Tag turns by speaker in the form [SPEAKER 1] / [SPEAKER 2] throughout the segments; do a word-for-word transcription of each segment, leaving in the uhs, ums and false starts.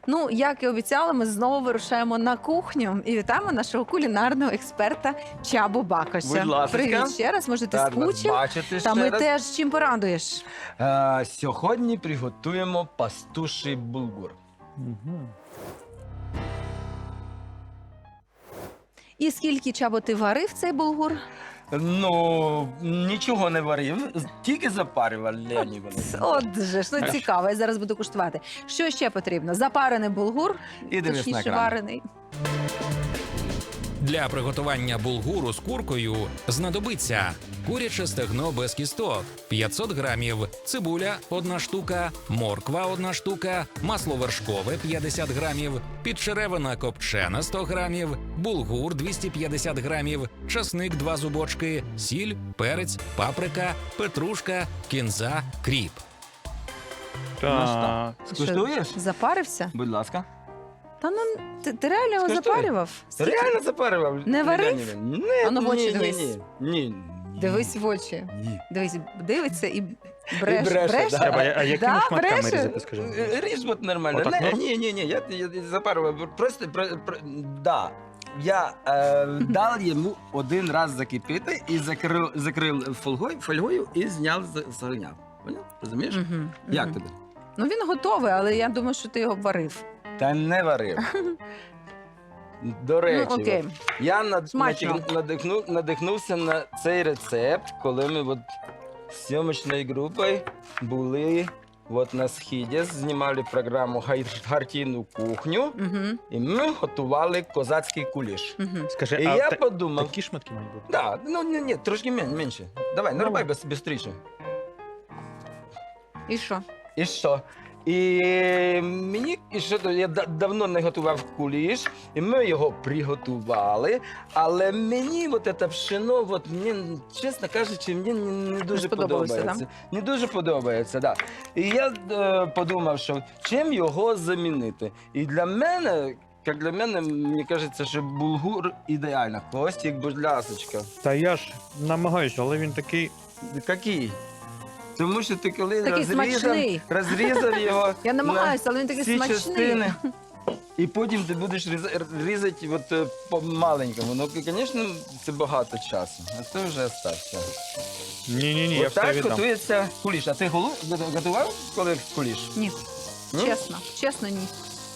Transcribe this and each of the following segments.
[SPEAKER 1] Ну, як і обіцяли, ми знову вирушаємо на кухню і вітаємо нашого кулінарного експерта Чабу Бакоша.
[SPEAKER 2] Будь ласка.
[SPEAKER 1] Привіт ще раз, може ти
[SPEAKER 2] Рад вас
[SPEAKER 1] скучив?
[SPEAKER 2] бачити
[SPEAKER 1] Та
[SPEAKER 2] ще
[SPEAKER 1] ми
[SPEAKER 2] раз.
[SPEAKER 1] теж чим порадуєш?
[SPEAKER 2] Е, Сьогодні приготуємо пастуший булгур.
[SPEAKER 3] Мгм.
[SPEAKER 1] І скільки, Чабо, ти варив цей булгур?
[SPEAKER 2] Ну, нічого не варив, тільки запарював, Леонід Іванович.
[SPEAKER 1] От же ж, ну
[SPEAKER 2] Аж.
[SPEAKER 1] цікаво, я зараз буду куштувати. Що ще потрібно? Запарений булгур,
[SPEAKER 2] І дивись на
[SPEAKER 1] точніше
[SPEAKER 2] екран.
[SPEAKER 1] варений.
[SPEAKER 4] Для приготування булгуру з куркою знадобиться куряче стегно без кісток п'ятсот грамів, цибуля одна штука, морква одна штука, масло вершкове п'ятдесят грамів, підчеревина копчена сто грамів, булгур двісті п'ятдесят грамів, часник два зубочки, сіль, перець, паприка, петрушка, кінза, кріп.
[SPEAKER 3] Так.
[SPEAKER 2] Скуштуєш?
[SPEAKER 1] Що, запарився?
[SPEAKER 2] Будь ласка.
[SPEAKER 1] Та ну, ти, ти реально його
[SPEAKER 2] Скуштуй.
[SPEAKER 1] запарював? Скільки?
[SPEAKER 2] Реально запарював.
[SPEAKER 1] Не варив?
[SPEAKER 2] Леонід Іванович. Ні,
[SPEAKER 1] А ну, в очі
[SPEAKER 2] ні,
[SPEAKER 1] дивись.
[SPEAKER 2] Ні, ні, ні.
[SPEAKER 1] Дивись в очі.
[SPEAKER 2] Ні.
[SPEAKER 1] Дивись, дивиться і бреше.
[SPEAKER 2] І бреше, да.
[SPEAKER 3] Треба, а якими
[SPEAKER 1] Да,
[SPEAKER 3] шматками
[SPEAKER 1] бреше?
[SPEAKER 3] різати, скажи?
[SPEAKER 2] Е, Ріж от нормально.
[SPEAKER 3] Отак,
[SPEAKER 2] Не,
[SPEAKER 3] ну?
[SPEAKER 2] ні, ні, ні, я, я, я запарював. Просто, про, про, да. Я е, дав йому один раз закипіти і закрив, закрив фольгою, фольгою і зняв з з огня. Поняв? Розумієш?
[SPEAKER 1] Мгм,
[SPEAKER 2] Як
[SPEAKER 1] мгм.
[SPEAKER 2] тобі?
[SPEAKER 1] Ну він готовий, але я думаю, що ти його варив.
[SPEAKER 2] Та не варив. До речі,
[SPEAKER 1] Ну, окей.
[SPEAKER 2] от, я над,
[SPEAKER 1] Смачно.
[SPEAKER 2] натяг- надихну, надихнувся на цей рецепт, коли ми от з зйомочною групою були от на східі, знімали програму «Гай- «Гартійну кухню»,
[SPEAKER 1] Угу,
[SPEAKER 2] і ми готували козацький куліш.
[SPEAKER 1] угу.
[SPEAKER 3] Скажи,
[SPEAKER 2] І
[SPEAKER 3] а
[SPEAKER 2] я
[SPEAKER 3] та-
[SPEAKER 2] подумав,
[SPEAKER 3] такі шматки мають бути?
[SPEAKER 2] да, ну ні, ні, трошки мен- менше. Давай, нарубай без, бистріше.
[SPEAKER 1] І що?
[SPEAKER 2] І що? І мені і що то, я да- давно не готував куліш, і ми його приготували. Але мені от це пшено, от мені, чесно кажучи, мені не, не дуже
[SPEAKER 1] сподобалося,
[SPEAKER 2] подобається. Не дуже подобається, да. І я е, подумав, що чим його замінити. І для мене, як для мене, мені кажеться, що булгур ідеально. Костік, будь ласочка.
[SPEAKER 3] Та я ж намагаюся, але він такий.
[SPEAKER 2] Який? Тому що ти коли
[SPEAKER 1] Такий
[SPEAKER 2] розрізав,
[SPEAKER 1] смачний.
[SPEAKER 2] розрізав його.
[SPEAKER 1] Я
[SPEAKER 2] на
[SPEAKER 1] намагаюся, але він такий
[SPEAKER 2] всі
[SPEAKER 1] смачний.
[SPEAKER 2] частини, і потім ти будеш різ- різати от, е, по маленькому. Ну, звісно, це багато часу. А це вже остався.
[SPEAKER 3] Ні-ні-ні, я
[SPEAKER 2] От
[SPEAKER 3] все
[SPEAKER 2] так
[SPEAKER 3] віддам.
[SPEAKER 2] готується куліш. А ти голу готував коли куліш?
[SPEAKER 1] Ні,
[SPEAKER 2] Ні?
[SPEAKER 1] чесно, чесно, ні.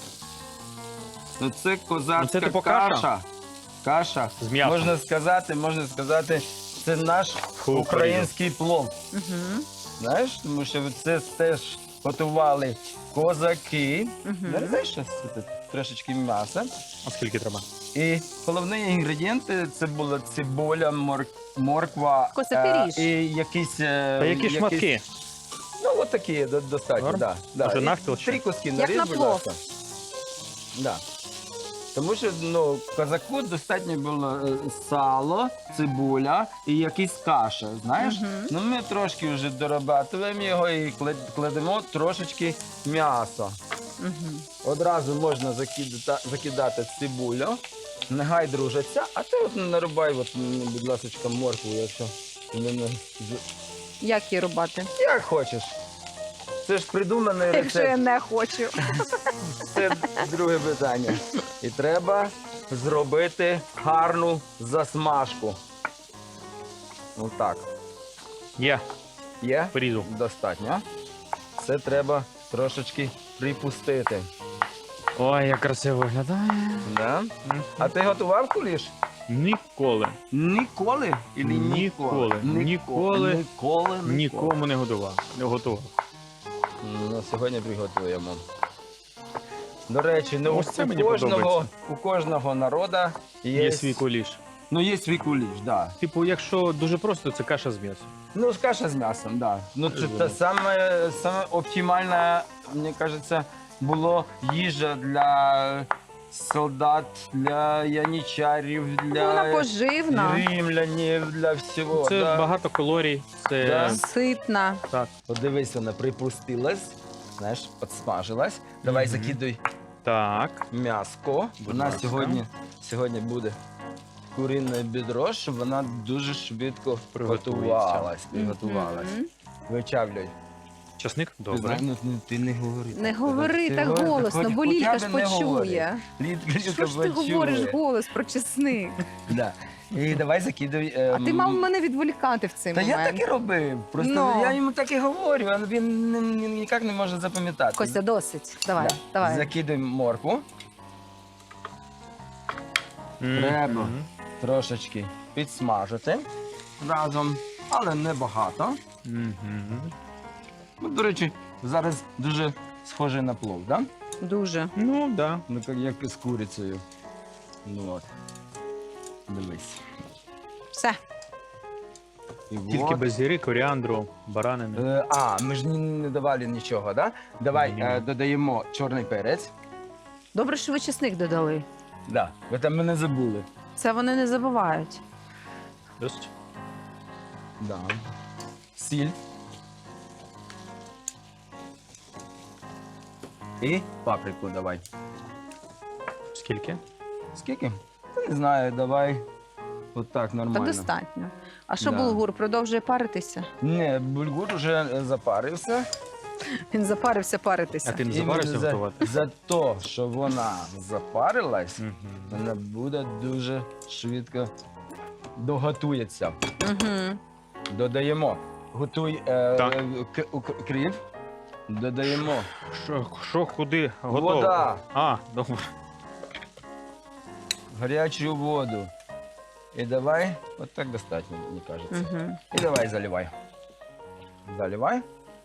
[SPEAKER 2] Ну це козацька
[SPEAKER 3] Ну, це типу каша?
[SPEAKER 2] каша. Каша.
[SPEAKER 3] З м'ясом.
[SPEAKER 2] Можна сказати, можна сказати, це наш
[SPEAKER 3] Фу,
[SPEAKER 2] український плов.
[SPEAKER 1] Угу,
[SPEAKER 2] Знаєш, тому що це теж готували козаки.
[SPEAKER 1] угу.
[SPEAKER 2] Знаєш, що це трошечки м'яса.
[SPEAKER 3] А скільки треба?
[SPEAKER 2] І головні інгредієнти це була цибуля, мор... морква
[SPEAKER 1] Косапіріж.
[SPEAKER 2] е, і якісь. е,
[SPEAKER 3] Та які
[SPEAKER 2] якісь-
[SPEAKER 3] шматки?
[SPEAKER 2] Ну, от такі до- достатньо,
[SPEAKER 3] Норм?
[SPEAKER 2] да, да.
[SPEAKER 3] Може,
[SPEAKER 2] І
[SPEAKER 3] навпіл ще?
[SPEAKER 2] Три куски
[SPEAKER 1] Як
[SPEAKER 2] наріж,
[SPEAKER 1] на
[SPEAKER 2] будь
[SPEAKER 1] плов.
[SPEAKER 2] ласка. Да. Тому що ну, козаку достатньо було е, сало, цибуля і якась каша, знаєш?
[SPEAKER 1] Мгм.
[SPEAKER 2] Ну ми трошки вже дорабатуємо його і клад- кладемо трошечки м'яса.
[SPEAKER 1] Угу.
[SPEAKER 2] Одразу можна закидати, закидати цибулю, нехай дружаться, а ти от нарубай, от, мені, будь ласка, моркву, якщо мене з-
[SPEAKER 1] Як її рубати?
[SPEAKER 2] як хочеш. Це ж придуманий
[SPEAKER 1] Якщо я
[SPEAKER 2] рецепт.
[SPEAKER 1] не хочу.
[SPEAKER 2] Це друге питання. І треба зробити гарну засмажку. Отак.
[SPEAKER 3] Є,
[SPEAKER 2] Є?
[SPEAKER 3] порізу.
[SPEAKER 2] Достатньо. Це треба трошечки припустити.
[SPEAKER 3] Ой, як красиво виглядає.
[SPEAKER 2] Да?
[SPEAKER 3] Мгм.
[SPEAKER 2] А ти готував куліш?
[SPEAKER 3] Ніколи.
[SPEAKER 2] Ніколи? Ілі
[SPEAKER 3] Ніколи. Ніколи.
[SPEAKER 2] Ніколи.
[SPEAKER 3] Нікому не готував. Не готував.
[SPEAKER 2] Ну, сьогодні приготуємо. До речі, ну,
[SPEAKER 3] Ось це
[SPEAKER 2] у,
[SPEAKER 3] мені
[SPEAKER 2] кожного,
[SPEAKER 3] подобається.
[SPEAKER 2] у кожного народу є,
[SPEAKER 3] Є свій куліш.
[SPEAKER 2] Ну, є свій куліш, так. Да.
[SPEAKER 3] Типу, якщо дуже просто, це каша з м'ясом.
[SPEAKER 2] Ну, каша з м'ясом, так. Да. Ну, це
[SPEAKER 3] Розумію.
[SPEAKER 2] та саме, саме оптимальна, мені кажеться, було їжа для солдат, для яничарів,
[SPEAKER 1] Ну, вона
[SPEAKER 2] для
[SPEAKER 1] поживна,
[SPEAKER 2] римлянів, для всього.
[SPEAKER 3] Це
[SPEAKER 2] да.
[SPEAKER 3] багато калорій. Це
[SPEAKER 2] Да.
[SPEAKER 1] ситна.
[SPEAKER 3] так.
[SPEAKER 2] Подивись, вона припустилась, знаєш, підсмажилась. Давай
[SPEAKER 3] Мгм.
[SPEAKER 2] закидуй
[SPEAKER 3] Так.
[SPEAKER 2] м'яско.
[SPEAKER 3] Будь
[SPEAKER 2] У нас
[SPEAKER 3] ласка.
[SPEAKER 2] сьогодні, сьогодні буде курине бідро, щоб вона дуже швидко
[SPEAKER 3] Приготується.
[SPEAKER 2] приготувалась. приготувалась.
[SPEAKER 1] Мгм.
[SPEAKER 2] Вичавлюй.
[SPEAKER 3] Часник?
[SPEAKER 2] Ти,
[SPEAKER 3] Добре.
[SPEAKER 2] знаєш, ну, ну, ти не говори.
[SPEAKER 1] Не
[SPEAKER 2] так.
[SPEAKER 1] говори
[SPEAKER 2] Ти
[SPEAKER 1] так
[SPEAKER 2] говори,
[SPEAKER 1] голосно,
[SPEAKER 2] хоч-
[SPEAKER 1] бо
[SPEAKER 2] хоча
[SPEAKER 1] Лілька
[SPEAKER 2] б
[SPEAKER 1] ж
[SPEAKER 2] не говори.
[SPEAKER 1] почує.
[SPEAKER 2] Лілька
[SPEAKER 1] Що ж ти
[SPEAKER 2] почує.
[SPEAKER 1] говориш голос про чесник?
[SPEAKER 2] Да. І давай закидуй.
[SPEAKER 1] А ти
[SPEAKER 2] ем,
[SPEAKER 1] мав мене відволікати в цей
[SPEAKER 2] Та я
[SPEAKER 1] момент.
[SPEAKER 2] так і робив. Просто
[SPEAKER 1] Ну.
[SPEAKER 2] я йому так і говорю, а він ні- ні- ніяк не може запам'ятати.
[SPEAKER 1] Костя, досить. Давай,
[SPEAKER 2] Да.
[SPEAKER 1] давай.
[SPEAKER 2] Закидуємо моркву.
[SPEAKER 3] Мгм.
[SPEAKER 2] Треба. Трошечки підсмажити разом, але не багато.
[SPEAKER 3] Мгм.
[SPEAKER 2] Ну, до речі, зараз дуже схоже на плов, да?
[SPEAKER 1] Дуже.
[SPEAKER 3] Ну, так. Да.
[SPEAKER 2] Ну, як, як з курицею. Ну от. Дивись.
[SPEAKER 1] Все.
[SPEAKER 2] І
[SPEAKER 3] Тільки
[SPEAKER 2] от.
[SPEAKER 3] без зіри, коріандру, баранини.
[SPEAKER 2] Е, а, ми ж ні- не давали нічого, да? Давай
[SPEAKER 3] Ні.
[SPEAKER 2] е, додаємо чорний перець.
[SPEAKER 1] Добре, що ви чесник додали.
[SPEAKER 2] Да, ви там мене забули.
[SPEAKER 1] Це вони не забувають.
[SPEAKER 3] Досить.
[SPEAKER 2] Да. Сіль. І паприку давай.
[SPEAKER 3] Скільки?
[SPEAKER 2] Скільки? Та не знаю, давай. От так, нормально.
[SPEAKER 1] Так достатньо. А що
[SPEAKER 2] Да.
[SPEAKER 1] булгур продовжує паритися?
[SPEAKER 2] Не, бульгур вже е, запарився.
[SPEAKER 1] Він запарився паритися.
[SPEAKER 3] А ти не
[SPEAKER 2] Іменно
[SPEAKER 3] заварився
[SPEAKER 2] за,
[SPEAKER 3] готувати?
[SPEAKER 2] за те, що вона запарилась,
[SPEAKER 3] Мгм.
[SPEAKER 2] вона буде дуже швидко доготується.
[SPEAKER 1] Угу.
[SPEAKER 2] Додаємо. Готуй е,
[SPEAKER 3] Так.
[SPEAKER 2] к- у- к- кріп. Додаємо
[SPEAKER 3] Що, що куди? Готово?
[SPEAKER 2] вода,
[SPEAKER 3] А, добре.
[SPEAKER 2] гарячу воду. І давай, от так достатньо, мені кажеться.
[SPEAKER 1] Угу.
[SPEAKER 2] І давай заливай. Заливай.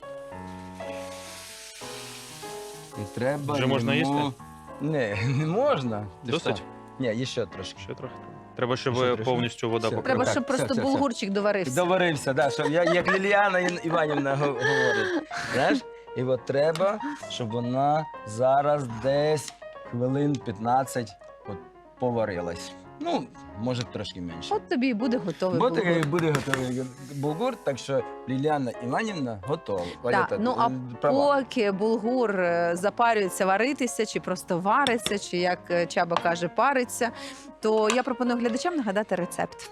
[SPEAKER 2] І треба.
[SPEAKER 3] Вже можна
[SPEAKER 2] йому-
[SPEAKER 3] їсти?
[SPEAKER 2] Не, не можна. Ти
[SPEAKER 3] Досить?
[SPEAKER 2] що? Ні, ще трошки.
[SPEAKER 3] Ще трохи. Треба, щоб
[SPEAKER 2] Ще трохи.
[SPEAKER 3] повністю вода
[SPEAKER 2] Все.
[SPEAKER 3] покрила.
[SPEAKER 1] Треба,
[SPEAKER 2] Так,
[SPEAKER 1] щоб
[SPEAKER 2] все,
[SPEAKER 1] просто
[SPEAKER 2] все, все.
[SPEAKER 1] булгурчик доварився.
[SPEAKER 2] Доварився, да, щоб я, як Ліліана Ін- Іванівна го- говорить. Знаєш? І от треба, щоб вона зараз десь хвилин п'ятнадцять от поварилась. Ну, може трошки менше.
[SPEAKER 1] От тобі і буде готовий
[SPEAKER 2] Бо
[SPEAKER 1] булгур.
[SPEAKER 2] таки буде готовий булгур, так що Ліліана Іванівна готова.
[SPEAKER 1] Так,
[SPEAKER 2] Валюта,
[SPEAKER 1] ну а
[SPEAKER 2] е, права.
[SPEAKER 1] поки булгур е, запарюється варитися, чи просто вариться, чи як е, Чаба каже, париться, то я пропоную глядачам нагадати рецепт.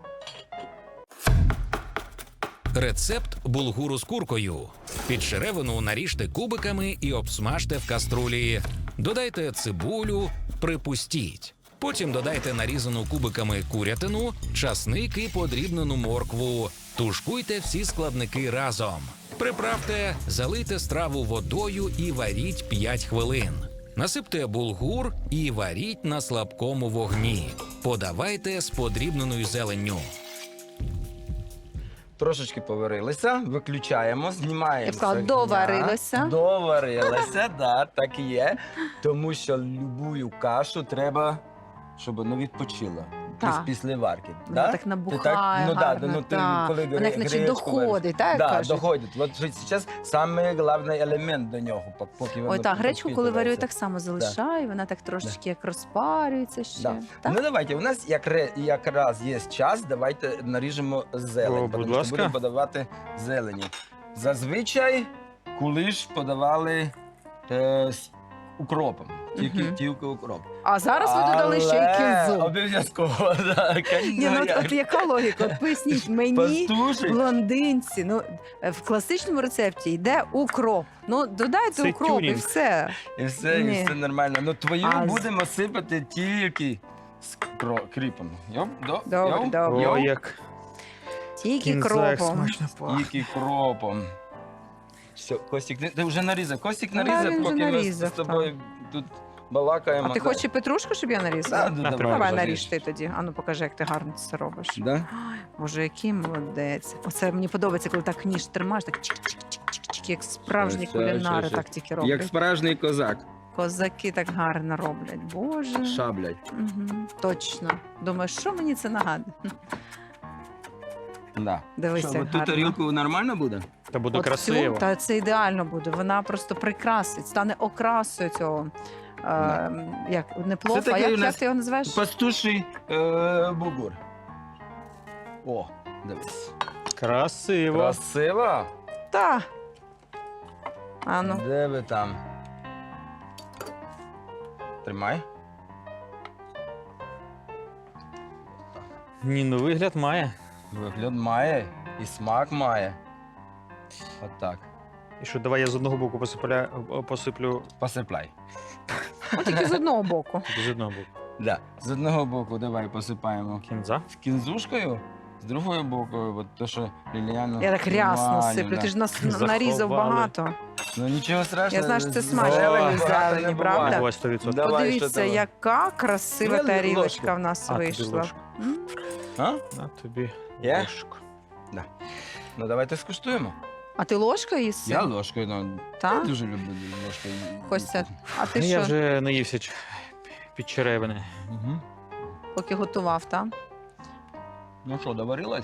[SPEAKER 4] Рецепт булгуру з куркою. Підшеревину наріжте кубиками і обсмажте в каструлі. Додайте цибулю, припустіть. Потім додайте нарізану кубиками курятину, часник і подрібнену моркву. Тушкуйте всі складники разом. Приправте, залийте страву водою і варіть п'ять хвилин. Насипте булгур і варіть на слабкому вогні. Подавайте з подрібненою зеленню.
[SPEAKER 2] Трошечки поварилися, виключаємо, знімаємо.
[SPEAKER 1] Я б сказала,
[SPEAKER 2] з огня.
[SPEAKER 1] доварилися.
[SPEAKER 2] Доварилися, да, так і є. Тому що любую кашу треба, щоб вона відпочила.
[SPEAKER 1] Так.
[SPEAKER 2] Піс- Після варки.
[SPEAKER 1] Вона
[SPEAKER 2] да?
[SPEAKER 1] так
[SPEAKER 2] Ти
[SPEAKER 1] набухає,
[SPEAKER 2] ну, да,
[SPEAKER 1] гарно,
[SPEAKER 2] ну, ти,
[SPEAKER 1] так.
[SPEAKER 2] коли
[SPEAKER 1] Вона як наче
[SPEAKER 2] гречку вариш.
[SPEAKER 1] доходить, так, як
[SPEAKER 2] Да,
[SPEAKER 1] кажуть?
[SPEAKER 2] доходить. От зараз самий головний елемент до нього, пок- поки воно
[SPEAKER 1] Ой, так, гречку, коли варю, я
[SPEAKER 2] підпитується.
[SPEAKER 1] так само залишаю, вона так трошечки як розпарюється ще.
[SPEAKER 2] Да.
[SPEAKER 1] Так?
[SPEAKER 2] Ну давайте, у нас як ре- якраз є час, давайте наріжемо зелень,
[SPEAKER 3] О, будь
[SPEAKER 2] тому що
[SPEAKER 3] ласка.
[SPEAKER 2] будемо подавати зелені. Зазвичай кулиш подавали е, з укропом, тільки,
[SPEAKER 1] Мгм.
[SPEAKER 2] тільки укроп.
[SPEAKER 1] А зараз ви додали ще й
[SPEAKER 2] Але
[SPEAKER 1] кінзу.
[SPEAKER 2] Обов'язково, так.
[SPEAKER 1] Ні, ну, от, от яка логіка? От поясніть мені,
[SPEAKER 2] Пастуші.
[SPEAKER 1] блондинці. Ну, е, в класичному рецепті йде укроп. Ну, додайте
[SPEAKER 3] Це
[SPEAKER 1] укроп і
[SPEAKER 3] тюнінг.
[SPEAKER 2] І
[SPEAKER 1] все.
[SPEAKER 2] все,
[SPEAKER 1] Ні.
[SPEAKER 2] і все нормально. Ну твою
[SPEAKER 1] А з-
[SPEAKER 2] будемо сипати тільки з кро- кріпом. Йоп, до,
[SPEAKER 1] Добре,
[SPEAKER 2] йоп,
[SPEAKER 1] добре.
[SPEAKER 2] йоп.
[SPEAKER 3] О, як
[SPEAKER 1] Тільки
[SPEAKER 3] кінза, як
[SPEAKER 1] кропом.
[SPEAKER 3] смачно пахне.
[SPEAKER 2] Тільки кропом. Все, Костік, ти, ти вже нарізав. Костік
[SPEAKER 1] Ну,
[SPEAKER 2] нарізав,
[SPEAKER 1] да, він вже
[SPEAKER 2] поки ми з-
[SPEAKER 1] нарізав,
[SPEAKER 2] з тобою тут балакаємо.
[SPEAKER 1] А ти
[SPEAKER 2] Да.
[SPEAKER 1] хочеш і петрушку, щоб я
[SPEAKER 2] Да,
[SPEAKER 1] нарізала?
[SPEAKER 2] да,
[SPEAKER 3] На,
[SPEAKER 2] давай,
[SPEAKER 1] Давай
[SPEAKER 2] наріж.
[SPEAKER 1] наріж ти тоді. Ану, покажи, як ти гарно це робиш.
[SPEAKER 2] Да?
[SPEAKER 1] Ой, Боже, який молодець. Оце мені подобається, коли так ніж тримаєш, так чик-чик-чик-чик, як справжні
[SPEAKER 2] Все, все,
[SPEAKER 1] кулінари
[SPEAKER 2] все.
[SPEAKER 1] так тільки роблять.
[SPEAKER 2] Як справжній козак.
[SPEAKER 1] Козаки так гарно роблять. Боже.
[SPEAKER 2] Шаблять.
[SPEAKER 1] Угу, точно. Думаю, що мені це нагадує?
[SPEAKER 2] Да.
[SPEAKER 1] Дивись,
[SPEAKER 2] Що,
[SPEAKER 1] як
[SPEAKER 2] от ту
[SPEAKER 1] гарно.
[SPEAKER 2] тарілку нормально буде?
[SPEAKER 3] Та буде
[SPEAKER 1] От цю,
[SPEAKER 3] красиво.
[SPEAKER 1] та це ідеально буде. Вона просто прикрасить, стане окрасою цього. Е, як не плов,
[SPEAKER 2] Це
[SPEAKER 1] а
[SPEAKER 2] такий
[SPEAKER 1] як,
[SPEAKER 2] у
[SPEAKER 1] як
[SPEAKER 2] нас
[SPEAKER 1] ти його називаєш?
[SPEAKER 2] Пастуший е, бугур. О, дивись.
[SPEAKER 3] Красиво.
[SPEAKER 2] Красиво.
[SPEAKER 1] Та. А ну.
[SPEAKER 2] Де ви там? Тримай.
[SPEAKER 3] Ні, ну вигляд має.
[SPEAKER 2] Вигляд має і смак має. Отак.
[SPEAKER 3] І що, давай я з одного боку посипля... посиплю
[SPEAKER 2] Посипай.
[SPEAKER 1] Ну, тільки з одного боку.
[SPEAKER 3] тільки з одного боку.
[SPEAKER 2] Да. З одного боку давай посипаємо
[SPEAKER 3] Кінза.
[SPEAKER 2] кінзушкою, з другого боку, от то, що Ліліана...
[SPEAKER 1] Я так рясно
[SPEAKER 2] нормально,
[SPEAKER 1] сиплю,
[SPEAKER 2] да.
[SPEAKER 1] ти ж нас
[SPEAKER 3] Заховали.
[SPEAKER 1] нарізав багато.
[SPEAKER 2] Ну нічого страшного.
[SPEAKER 1] Я знаю, що це
[SPEAKER 2] з-
[SPEAKER 1] смачно.
[SPEAKER 2] зелені,
[SPEAKER 1] Зелені,
[SPEAKER 2] багато не
[SPEAKER 1] правда?
[SPEAKER 2] буває.
[SPEAKER 3] Давай сто відсотків.
[SPEAKER 2] Давай, що
[SPEAKER 1] Подивіться,
[SPEAKER 2] там?
[SPEAKER 1] яка красива
[SPEAKER 2] Ну,
[SPEAKER 1] тарілочка
[SPEAKER 2] ложку.
[SPEAKER 1] в нас
[SPEAKER 3] А, тобі
[SPEAKER 1] вийшла.
[SPEAKER 3] ложку.
[SPEAKER 1] М.
[SPEAKER 2] А?
[SPEAKER 3] На тобі
[SPEAKER 2] Є?
[SPEAKER 3] ложку.
[SPEAKER 2] Ну давайте скуштуємо.
[SPEAKER 1] А ти ложкою їси?
[SPEAKER 2] Я ложкою, ну, я
[SPEAKER 1] Так?
[SPEAKER 2] дуже люблю ложкою.
[SPEAKER 1] Костя, а ти
[SPEAKER 3] Я
[SPEAKER 1] що,
[SPEAKER 3] вже наївся ч- під черевини.
[SPEAKER 2] Угу.
[SPEAKER 1] поки готував, так?
[SPEAKER 2] Ну що, доварилась?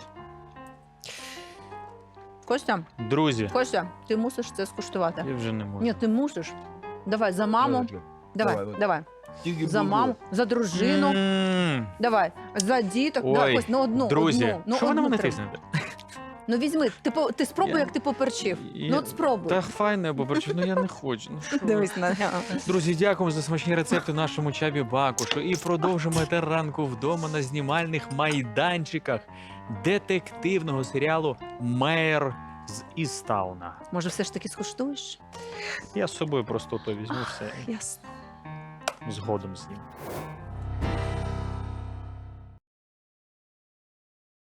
[SPEAKER 1] Костя,
[SPEAKER 3] Друзі,
[SPEAKER 1] Костя, ти мусиш це скуштувати.
[SPEAKER 3] я вже не можу.
[SPEAKER 1] Ні, ти мусиш. Давай, за маму.
[SPEAKER 2] Давай,
[SPEAKER 1] Давай,
[SPEAKER 2] давай.
[SPEAKER 1] давай.
[SPEAKER 2] Тільки
[SPEAKER 1] За
[SPEAKER 2] булгур.
[SPEAKER 1] маму, за дружину.
[SPEAKER 3] М,
[SPEAKER 1] Давай, за діток.
[SPEAKER 3] Ой,
[SPEAKER 1] Давай, Кость, ну одну,
[SPEAKER 3] друзі,
[SPEAKER 1] одну. Ну,
[SPEAKER 3] що ви на
[SPEAKER 1] одну
[SPEAKER 3] мене
[SPEAKER 1] треба.
[SPEAKER 3] тиснете?
[SPEAKER 1] Ну візьми, ти, по- ти спробуй,
[SPEAKER 3] Я-
[SPEAKER 1] як ти поперчив.
[SPEAKER 3] Я-
[SPEAKER 1] Ну от спробуй.
[SPEAKER 3] Та файне, бо перчу, ну я не хочу. Ну, що ви?
[SPEAKER 1] Дивись на
[SPEAKER 3] Друзі, дякуємо за смачні рецепти нашому Чабі Бакушу. І продовжимо тепер ранку вдома на знімальних майданчиках детективного серіалу Мер з Істауна.
[SPEAKER 1] Може, все ж таки скуштуєш?
[SPEAKER 3] Я з собою просто то візьму все
[SPEAKER 1] Ясно.
[SPEAKER 3] згодом з ним.